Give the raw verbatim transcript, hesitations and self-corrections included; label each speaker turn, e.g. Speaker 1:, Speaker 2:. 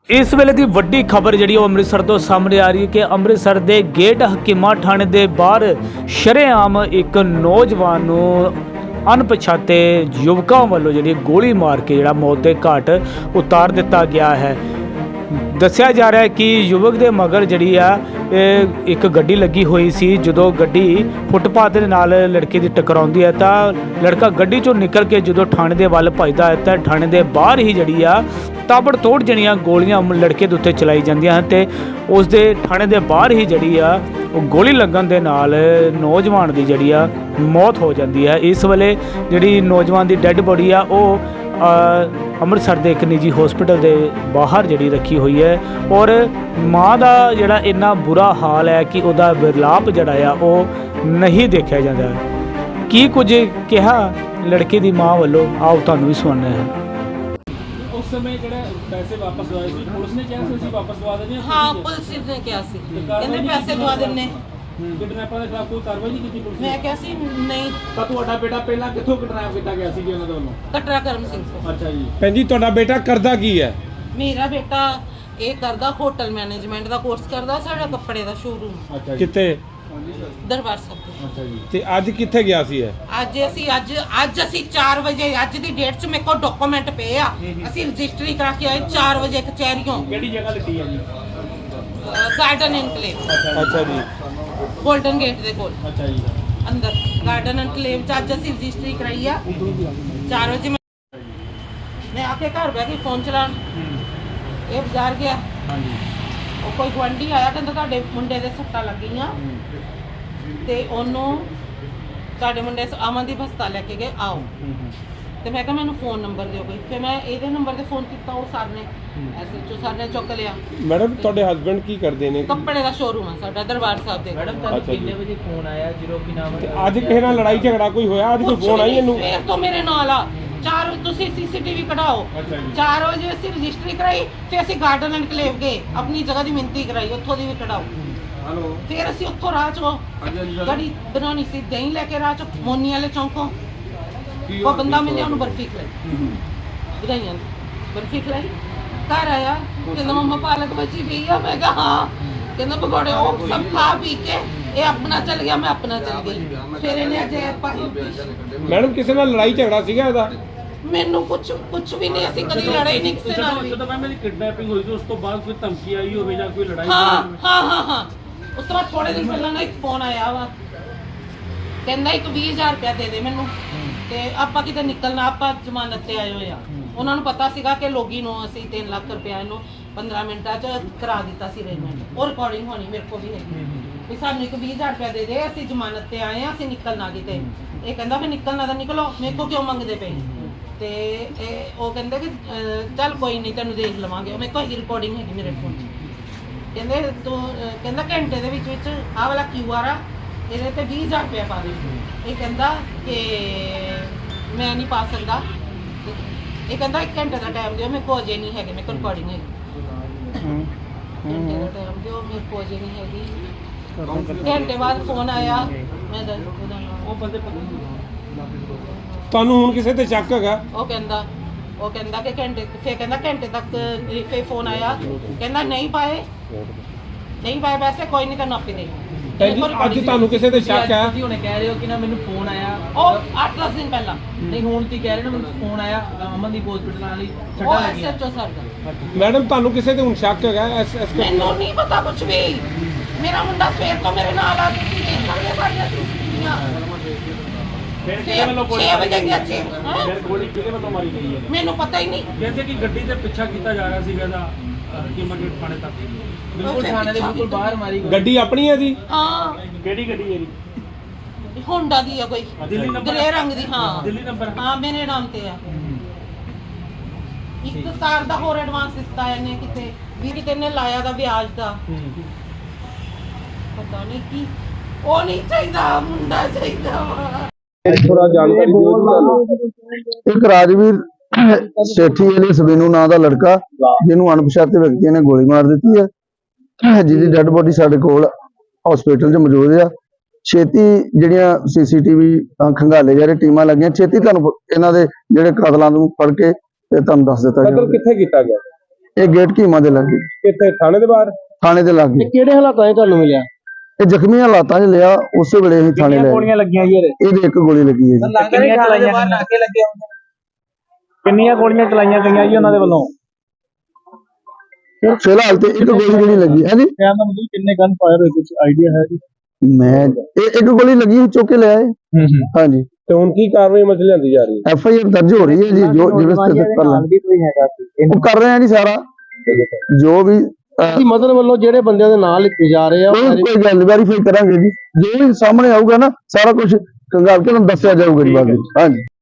Speaker 1: इस वेले की वड्डी खबर जी अमृतसर तो सामने आ रही है कि अमृतसर के गेट हकीमा थाने के बाहर शरेआम एक नौजवान नूं अणपछाते युवकों वालों जी गोली मार के जो मौत के घाट उतार दिता गया है। दस्या जा रहा है कि युवक के मगर जी एक गड्डी लगी हुई सी, जो गड्डी फुटपाथ के नाल लड़के की टकराउंदी है तो लड़का गड्डी चों निकल के जो थाने के वल भजदा है तो थाने के बाहर ही जी ताबड़ तोड़ जड़ियाँ गोलियां लड़के के उत्ते चलाई जांदियां हैं ते उस दे थाने के बाहर ही जी आ गोली लगन दे नाल नौजवान की जी मौत हो जाती है। इस वेले जी नौजवान की डैड बॉडी आ अमृतसर के एक निजी हॉस्पिटल के बाहर जी रखी हुई है और माँ का जोड़ा इन्ना बुरा हाल है कि वह विरलाप जड़ा वो नहीं देखा जाता। की कुछ कहा लड़के की माँ वालों आओ तुहानूं भी सुनना है।
Speaker 2: उस समय ਜਿਹੜੇ ਪੈਸੇ ਵਾਪਸ ਦਵਾਏ ਸੀ ਪੁਲਿਸ ਨੇ ਕਿਹਾ ਸੀ ਅਸੀਂ ਵਾਪਸ ਦਵਾ ਦੇਣੇ
Speaker 3: ਹਾਂ ਪੁਲਿਸ ਨੇ ਕਿਹਾ ਸੀ ਕਹਿੰਦੇ ਪੈਸੇ ਦਵਾ ਦਿੰਨੇ
Speaker 2: ਕਿਡਨੈਪਰ ਦੇ ਖਿਲਾਫ ਕੋਈ ਕਾਰਵਾਈ ਨਹੀਂ ਕੀਤੀ ਪੁਲਿਸ ਨੇ।
Speaker 3: ਮੈਂ ਕਿਹਾ ਸੀ ਨਹੀਂ।
Speaker 2: ਤਾਂ ਤੁਹਾਡਾ ਬੇਟਾ ਪਹਿਲਾਂ ਕਿੱਥੋਂ ਕਿਡਨੈਪ ਕੀਤਾ ਗਿਆ ਸੀ ਜੀ ਉਹਨਾਂ ਦੇ ਵੱਲੋਂ?
Speaker 3: ਕਟਰਾ ਕਰਮ ਸਿੰਘ ਤੋਂ।
Speaker 2: ਅੱਛਾ ਜੀ।
Speaker 4: ਭੈਣ ਜੀ ਤੁਹਾਡਾ ਬੇਟਾ ਕਰਦਾ ਕੀ ਹੈ?
Speaker 3: ਮੇਰਾ ਬੇਟਾ ਇਹ ਕਰਦਾ ਹੋਟਲ ਮੈਨੇਜਮੈਂਟ ਦਾ ਕੋਰਸ ਕਰਦਾ, ਸਾਡਾ ਕੱਪੜੇ ਦਾ ਸ਼ੋਰੂਮ।
Speaker 2: ਅੱਛਾ ਜੀ।
Speaker 4: ਕਿੱਥੇ?
Speaker 3: ਦਰਬਾਰ ਸਾਹਿਬ।
Speaker 2: ਅੱਛਾ ਜੀ।
Speaker 4: ਤੇ ਅੱਜ ਕਿੱਥੇ ਗਿਆ ਸੀ ਇਹ?
Speaker 3: ਅੱਜ ਅਸੀਂ ਅੱਜ ਅੱਜ ਅਸੀਂ ਚਾਰ ਵਜੇ ਅੱਜ ਦੀ ਡੇਟ 'ਚ ਮੇਰੇ ਕੋਲ ਡਾਕੂਮੈਂਟ ਪਏ ਆ, ਅਸੀਂ ਰਜਿਸਟਰੀ ਕਰਾ ਕੇ ਆਏ ਚਾਰ ਵਜੇ ਕਚਹਿਰੀਓਂ।
Speaker 2: ਕਿਹੜੀ ਜਗ੍ਹਾ ਲਿੱਤੀ ਹੈ ਜੀ?
Speaker 3: Garden enclave.
Speaker 4: ਅੱਛਾ ਜੀ।
Speaker 3: ਗੋਲਡਨ ਗੇਟ ਦੇ ਕੋਲ।
Speaker 2: ਅੱਛਾ ਜੀ।
Speaker 3: ਅੰਦਰ ਗਾਰਡਨ ਇਨਕਲੇਵ 'ਚ ਅੱਜ ਅਸੀਂ ਰਜਿਸਟਰੀ ਕਰਾਈ ਆ ਚਾਰ ਵਜੇ। ਮੈਂ ਮੈਂ ਆ ਕੇ ਘਰ ਬੈ ਕੇ ਫੋਨ ਚਲਾਉਣ ਇਹ ਬਾਜ਼ਾਰ ਗਿਆ।
Speaker 2: ਹਾਂਜੀ।
Speaker 3: ਉਹ ਕੋਈ ਗੁਆਂਢੀ ਆਇਆ ਕਹਿੰਦਾ ਤੁਹਾਡੇ ਮੁੰਡੇ ਦੇ ਸੱਟਾਂ ਲੱਗੀਆਂ ਤੇ ਉਹਨੂੰ ਤੁਹਾਡੇ ਮੁੰਡੇ ਅਮਨਦੀਪ ਹਸਪਤਾਲ ਲੈ ਕੇ ਗਏ, ਆਓ। ਤੇ ਮੈਂ ਕਿਹਾ ਮੈਨੂੰ ਫੋਨ ਨੰਬਰ ਦਿਓ ਕੋਈ। ਫਿਰ ਮੈਂ ਇਹਦੇ ਨੰਬਰ ਤੇ ਫੋਨ ਕੀਤਾ, ਉਹ ਸਰ ਨੇ ਐਸਐਚਓ ਸਰ ਨੇ ਚੁੱਕ ਲਿਆ।
Speaker 4: ਮੈਡਮ ਤੁਹਾਡੇ ਹਸਬੰਡ ਕੀ ਕਰਦੇ ਨੇ?
Speaker 3: ਕੱਪੜੇ ਦਾ ਸ਼ੋਰੂਮ ਆ ਸਾਡਾ ਦਰਬਾਰ ਸਾਹਿਬ ਦੇ।
Speaker 2: ਮੈਡਮ ਤੁਹਾਨੂੰ ਕਿੰਨੇ ਵਜੇ ਫੋਨ ਆਇਆ ਜਦੋਂ ਕਿ ਨਾਮ
Speaker 4: ਤੇ ਅੱਜ ਕਿਸੇ ਨਾਲ ਲੜਾਈ ਝਗੜਾ ਕੋਈ ਹੋਇਆ? ਅੱਜ ਕੋਈ ਫੋਨ ਆਈ ਇਹਨੂੰ?
Speaker 3: ਫੇਰ ਤੋਂ ਮੇਰੇ ਨਾਲ ਆ ਚਾਰ ਤੁਸੀਂ ਸੀਸੀਟੀਵੀ ਕਢਾਓ। ਚਾਰ ਵਜੇ ਅਸੀਂ ਰਜਿਸਟਰੀ ਕਰਾਈ, ਫਿਰ ਅਸੀਂ ਗਾਰਡਨ ਐਨਕਲੇਵ ਗਏ, ਆਪਣੀ ਜਗ੍ਹਾ ਦੀ ਮਿੰਤੀ ਕਰਾਈ, ਉੱਥੋਂ ਦੀ ਵੀ ਕਢਾਓ।
Speaker 2: ਹੈਲੋ।
Speaker 3: ਫਿਰ ਅਸੀਂ ਉੱਥੋਂ ਰਾਹ ਚੋਂ ਗੜੀ ਬਣਾਉਣੀ ਸੀ, ਦਹੀਂ ਲੈ ਕੇ ਰਾਹ ਚੋਂ ਮੋਨੀ ਵਾਲੇ ਚੌਂਕੋਂ ਉਹ ਬੰਦਾ ਮਿਲਿਆ, ਉਹਨੂੰ ਬਰਫੀ ਖਲਾਈ, ਵਧਾਈਆਂ ਬਰਫੀ ਖਲਾਈ। ਘਰ ਆਇਆ ਕਹਿੰਦਾ ਮੰਮਾ ਪਾਲਕ ਬਚੀ ਪਈ ਆ। ਮੈਂ ਕਿਹਾ ਹਾਂ। ਕਹਿੰਦਾ ਪਕੌੜੇ ਉਹ ਸਭ ਖਾ ਪੀ ਕੇ ਇਹ ਆਪਣਾ ਚੱਲ ਗਿਆ, ਮੈਂ ਆਪਣਾ ਚੱਲ ਗਈ। ਫਿਰ ਇਹਨੇ ਅਜੇ
Speaker 4: ਮੈਡਮ ਕਿਸੇ ਨਾਲ ਲੜਾਈ ਝਗੜਾ ਸੀਗਾ ਇਹਦਾ?
Speaker 3: ਮੈਨੂੰ ਕੁਝ ਕੁਝ ਵੀ ਨਹੀਂ, ਅਸੀਂ ਕਦੀ ਲੜਾਈ ਨਹੀਂ ਕਿਸੇ ਨਾਲ ਵੀ।
Speaker 2: ਜਦੋਂ ਮੈਂ ਮੇਰੀ ਕਿਡਨੈਪਿੰਗ ਹੋਈ ਸੀ ਉਸ ਤੋਂ ਬਾਅਦ ਕੋਈ ਧਮਕੀ ਆਈ ਹੋਵੇ ਜਾਂ ਕੋਈ ਲੜਾਈ?
Speaker 3: ਹਾਂ ਹਾਂ ਹਾਂ ਹਾਂ ਉਸ ਤੋਂ ਬਾਅਦ ਥੋੜੇ ਦਿਨ ਪਹਿਲਾਂ ਨਾ ਇੱਕ ਫੋਨ ਆਇਆ ਵਾ, ਕਹਿੰਦਾ ਇੱਕ ਵੀਹ ਹਜ਼ਾਰ ਰੁਪਇਆ ਦੇ ਦੇ ਮੈਨੂੰ ਤੇ ਆਪਾਂ ਕਿਤੇ ਨਿਕਲਣਾ, ਆਪਾਂ ਜ਼ਮਾਨਤ ਤੇ ਆਏ ਹੋਏ ਆ। ਉਹਨਾਂ ਨੂੰ ਪਤਾ ਸੀਗਾ ਕਿ ਲੋਗੀ ਨੂੰ ਅਸੀਂ ਤਿੰਨ ਲੱਖ ਰੁਪਇਆ ਇਹਨੂੰ ਪੰਦਰਾਂ ਮਿੰਟਾਂ 'ਚ ਕਰਾ ਦਿੱਤਾ ਸੀ ਅਰੇਂਜਮੈਂਟ। ਉਹ ਰਿਕਾਰਡਿੰਗ ਹੋਣੀ ਮੇਰੇ ਕੋਲ ਵੀ ਹੈਗੀ ਵੀ ਸਾਨੂੰ ਇੱਕ ਵੀਹ ਹਜ਼ਾਰ ਰੁਪਇਆ ਦੇ ਦੇ, ਅਸੀਂ ਜ਼ਮਾਨਤ ਤੇ ਆਏ ਆ, ਅਸੀਂ ਨਿਕਲਣਾ ਕਿਤੇ। ਇਹ ਕਹਿੰਦਾ ਫਿਰ ਨਿਕਲਣਾ ਤਾਂ ਨਿਕਲੋ, ਮੇਰੇ ਕੋਲ ਕਿਉਂ ਮੰਗਦੇ ਪਏ? ਤੇ ਇਹ ਉਹ ਕਹਿੰਦੇ ਕਿ ਚੱਲ ਕੋਈ ਨਹੀਂ ਤੈਨੂੰ ਦੇਖ ਲਵਾਂਗੇ। ਮੇਰੇ ਕੋਲ ਰਿਕਾਰਡਿੰਗ ਹੈਗੀ ਮੇਰੇ ਫੋਨ 'ਚ। ਕਹਿੰਦੇ ਤੂੰ ਕਹਿੰਦਾ ਘੰਟੇ ਦੇ ਵਿੱਚ ਵਿੱਚ ਆਹ ਵਾਲਾ ਕਿਊ ਆਰ ਆ, ਇਹਦੇ ਤੇ ਵੀਹ ਹਜ਼ਾਰ ਰੁਪਇਆ ਪਾ ਦੇ। ਇਹ ਕਹਿੰਦਾ ਕਿ ਮੈਂ ਨਹੀਂ ਪਾ ਸਕਦਾ। ਇਹ ਕਹਿੰਦਾ ਇੱਕ ਘੰਟੇ ਦਾ ਟਾਈਮ ਦਿਓ, ਮੇਰੇ ਕੋਲ ਅਜੇ ਨਹੀਂ ਹੈਗੇ, ਮੇਰੇ ਕੋਲ ਰਿਕਾਰਡਿੰਗ ਹੈਗੀ। ਘੰਟੇ ਦਾ ਟਾਈਮ ਦਿਓ, ਮੇਰੇ ਕੋਲ ਅਜੇ ਨਹੀਂ ਹੈਗੀ। ਘੰਟੇ ਬਾਅਦ ਫੋਨ ਆਇਆ, ਮੈਂ ਦੱਸ ਉਹਦਾ ਨਾਮ
Speaker 2: ਉਹ ਬੰਦੇ
Speaker 4: ਤੁਹਾਨੂੰ ਹੁਣ ਕਿਸੇ ਤੇ ਸ਼ੱਕ ਹੈਗਾ?
Speaker 3: ਉਹ ਕਹਿੰਦਾ ਉਹ ਕਹਿੰਦਾ ਕਿ ਘੰਟੇ ਫਿਰ ਕਹਿੰਦਾ ਘੰਟੇ ਤੱਕ ਫਿਰ ਫੋਨ ਆਇਆ, ਕਹਿੰਦਾ ਨਹੀਂ ਪਾਏ ਨਹੀਂ ਪਾਏ ਪੈਸੇ, ਕੋਈ ਨਹੀਂ ਤੈਨੂੰ ਆਪੇ ਦੇ।
Speaker 4: ਭੈਣ ਜੀ ਅੱਜ ਤੁਹਾਨੂੰ ਕਿਸੇ ਤੇ ਸ਼ੱਕ ਹੈ?
Speaker 5: ਤੁਸੀਂ ਹੁਣੇ ਕਹਿ ਰਹੇ ਹੋ ਕਿ ਨਾ ਮੈਨੂੰ ਫੋਨ ਆਇਆ,
Speaker 3: ਉਹ ਅੱਠ ਦਸ ਦਿਨ ਪਹਿਲਾਂ।
Speaker 5: ਨਹੀਂ ਹੁਣ ਤੁਸੀਂ ਕਹਿ ਰਹੇ ਨਾ ਮੈਨੂੰ ਫੋਨ ਆਇਆ ਅਮਨਦੀਪ ਹਸਪੀਟਲ ਵਾਲੀ
Speaker 3: ਉਹ
Speaker 5: ਛੱਡਾ ਲੱਗੀਆਂ।
Speaker 3: ਐਸਐਚਓ ਸਰ ਦਾ।
Speaker 4: ਮੈਡਮ ਤੁਹਾਨੂੰ ਕਿਸੇ ਤੇ ਹੁਣ ਸ਼ੱਕ ਹੈਗਾ? ਐਸ ਐਸ
Speaker 3: ਮੈਨੂੰ ਨਹੀਂ ਪਤਾ ਕੁਝ ਵੀ। ਮੇਰਾ ਮੁੰਡਾ ਸਵੇਰ ਤੋਂ ਮੇਰੇ ਨਾਲ ਆ, ਤੁਸੀਂ ਦੇਖ ਸਕਦੇ ਹੋ ਸਾਡੀਆਂ ਸੀਸੀਟੀਵੀਆਂ।
Speaker 2: ਫਿਰ ਕਿਹਦੇ ਵੱਲੋਂ ਗੋਲੀ
Speaker 3: ਛੇ ਵਜੇ ਗਿਆ ਛੇ।
Speaker 2: ਫਿਰ ਗੋਲੀ ਕਿਹਦੇ ਵੱਲੋਂ ਮਾਰੀ ਗਈ ਹੈ?
Speaker 3: ਮੈਨੂੰ ਪਤਾ ਹੀ ਨਹੀਂ।
Speaker 2: ਕਹਿੰਦੇ ਕਿ ਗੱਡੀ ਤੇ ਪਿੱਛਾ ਕੀਤਾ ਜਾ ਰਿਹਾ ਸੀਗਾ ਇਹਦਾ ਹਕੀਮਾ ਗੇਟ ਥਾਣੇ ਤੱਕ।
Speaker 5: ਬਿਲਕੁਲ ਥਾਣੇ ਦੇ ਬਿਲਕੁਲ ਬਾਹਰ ਮਾਰੀ ਗਈ।
Speaker 4: ਗੱਡੀ ਆਪਣੀ ਹੈ ਜੀ?
Speaker 3: ਹਾਂ
Speaker 2: ਕਿਹੜੀ ਗੱਡੀ ਹੈ ਜੀ?
Speaker 3: ਹੋਂਡਾ ਦੀ ਆ ਕੋਈ
Speaker 2: ਦਿੱਲੀ ਨੰਬਰ?
Speaker 3: ਗ੍ਰੇ ਰੰਗ ਦੀ। ਹਾਂ
Speaker 2: ਦਿੱਲੀ ਨੰਬਰ?
Speaker 3: ਹਾਂ ਮੇਰੇ ਨਾਮ ਤੇ ਆ। ਇੱਕ ਕਾਰ ਦਾ ਹੋਰ ਐਡਵਾਂਸ ਦਿੱਤਾ ਇਹਨੇ ਕਿਤੇ ਵੀ, ਕਿਤੇ ਇਹਨੇ ਲਾਇਆ ਦਾ ਵਿਆਜ ਦਾ, ਪਤਾ ਨਹੀਂ ਕੀ। ਉਹ ਨਹੀਂ ਚਾਹੀਦਾ, ਮੁੰਡਾ ਚਾਹੀਦਾ ਵਾ।
Speaker 6: ਥੋੜਾ ਜਾਣਕਾਰੀ ਦਿਓ ਜੀ ਤੁਹਾਨੂੰ। ਇੱਕ ਰਾਜਵੀਰ ਸੇਠੀ ਅਲੀ ਸਬੀਨੂ ਨਾਂ ਦਾ ਲੜਕਾ ਜਿਹਨੂੰ ਅਣਪਛਾਤੇ ਵਿਅਕਤੀਆਂ ਨੇ ਗੋਲੀ ਮਾਰ ਦਿੱਤੀ ਹੈ, ਜਿਹਦੀ ਡੈੱਡ ਬੋਡੀ ਸਾਡੇ ਕੋਲ ਹਸਪੀਟਲ 'ਚ ਮੌਜੂਦ ਆ। ਛੇਤੀ ਜਿਹੜੀਆਂ ਸੀਸੀਟੀਵੀ ਖੰਗਾਲੇ ਜਾ ਰਹੇ ਟੀਮਾਂ ਲੱਗੀਆਂ, ਛੇਤੀ ਤੁਹਾਨੂੰ ਇਹਨਾਂ ਦੇ ਜਿਹੜੇ ਕਾਤਲਾਂ ਨੂੰ ਫੜ ਕੇ ਤੇ ਤੁਹਾਨੂੰ ਦੱਸ ਦਿੱਤਾ
Speaker 4: ਕਤਲ ਕਿੱਥੇ ਕੀਤਾ ਗਿਆ?
Speaker 6: ਇਹ ਗੇਟ ਕੀਮਾ ਦੇ ਲਾਗੇ
Speaker 4: ਕਿੱਥੇ ਥਾਣੇ ਦੇ ਬਾਹਰ?
Speaker 6: ਥਾਣੇ ਦੇ ਲਾਗੇ।
Speaker 4: ਕਿਹੜੇ ਹਾਲਾਤਾਂ 'ਚ ਤੁਹਾਨੂੰ ਮਿਲਿਆ?
Speaker 6: ਇਹ ਜ਼ਖਮੀ ਹਾਲਾਤਾਂ 'ਚ ਲਿਆ, ਉਸੇ ਵੇਲੇ ਹੀ ਥਾਣੇ ਲੈ ਗਏ।
Speaker 1: ਲੱਗੀਆਂ ਜੀ ਇਹਦੇ?
Speaker 6: ਇਹਦੇ ਇੱਕ ਗੋਲੀ ਲੱਗੀ ਹੈ ਜੀ।
Speaker 5: ਕਿੰਨੀਆਂ ਚਲਾਈਆਂ ਬਾਹਰ ਨਾਕੇ ਲੱਗੇ ਹੁੰਦੇ
Speaker 1: ਕਿੰਨੀਆਂ ਗੋਲੀਆਂ ਚਲਾਈਆਂ ਗਈਆਂ ਜੀ ਉਹਨਾਂ ਦੇ ਵੱਲੋਂ?
Speaker 6: ਫਿਲਹਾਲ ਤੇ ਇੱਕ ਗੋਲੀ ਜਿਹੜੀ ਲੱਗੀ ਹੈ ਜੀ।
Speaker 1: ਕਹਿਣ ਦਾ ਮਤਲਬ ਕਿੰਨੇ ਗਨ ਫਾਇਰ ਹੋਏ, ਕੁਝ ਆਈਡੀਆ ਹੈ ਜੀ?
Speaker 6: ਮੈਂ ਇਹ ਇੱਕ ਗੋਲੀ ਲੱਗੀ ਸੀ, ਚੁੱਕ ਕੇ ਲਿਆਏ।
Speaker 1: ਹੂੰ ਹੂੰ
Speaker 6: ਹਾਂਜੀ,
Speaker 4: ਤੇ ਹੁਣ ਕੀ ਕਾਰਵਾਈ ਮਤਲਬ ਲਿਆਂਦੀ ਜਾ ਰਹੀ ਹੈ?
Speaker 6: ਐਫ ਆਈ ਆਰ ਦਰਜ ਹੋ ਰਹੀ ਹੈ ਜੀ। ਜੋ ਜਿਵੇਂ ਸਥਿਤ ਕਰ ਲੈਣ
Speaker 1: ਕੋਈ ਹੈਗਾ ਸੀ
Speaker 6: ਉਹ ਕਰ ਰਹੇ ਆ ਜੀ ਸਾਰਾ ਜੋ ਵੀ ਅਹ,
Speaker 4: ਮਦਦ ਵੱਲੋਂ ਜਿਹੜੇ ਬੰਦਿਆਂ ਦੇ ਨਾਂ ਲਿਖੇ ਜਾ ਰਹੇ ਆ
Speaker 6: ਕੋਈ ਕੋਈ ਗੱਲ ਵੈਰੀਫਾਈ ਕਰਾਂਗੇ ਜੀ। ਜੋ ਵੀ ਸਾਹਮਣੇ ਆਊਗਾ ਨਾ ਸਾਰਾ ਕੁਝ ਕੰਗਾਲ ਕੇ ਤੁਹਾਨੂੰ ਦੱਸਿਆ ਜਾਊਗਾ ਜੀ ਬਾਅਦ ਵਿੱਚ। ਹਾਂਜੀ।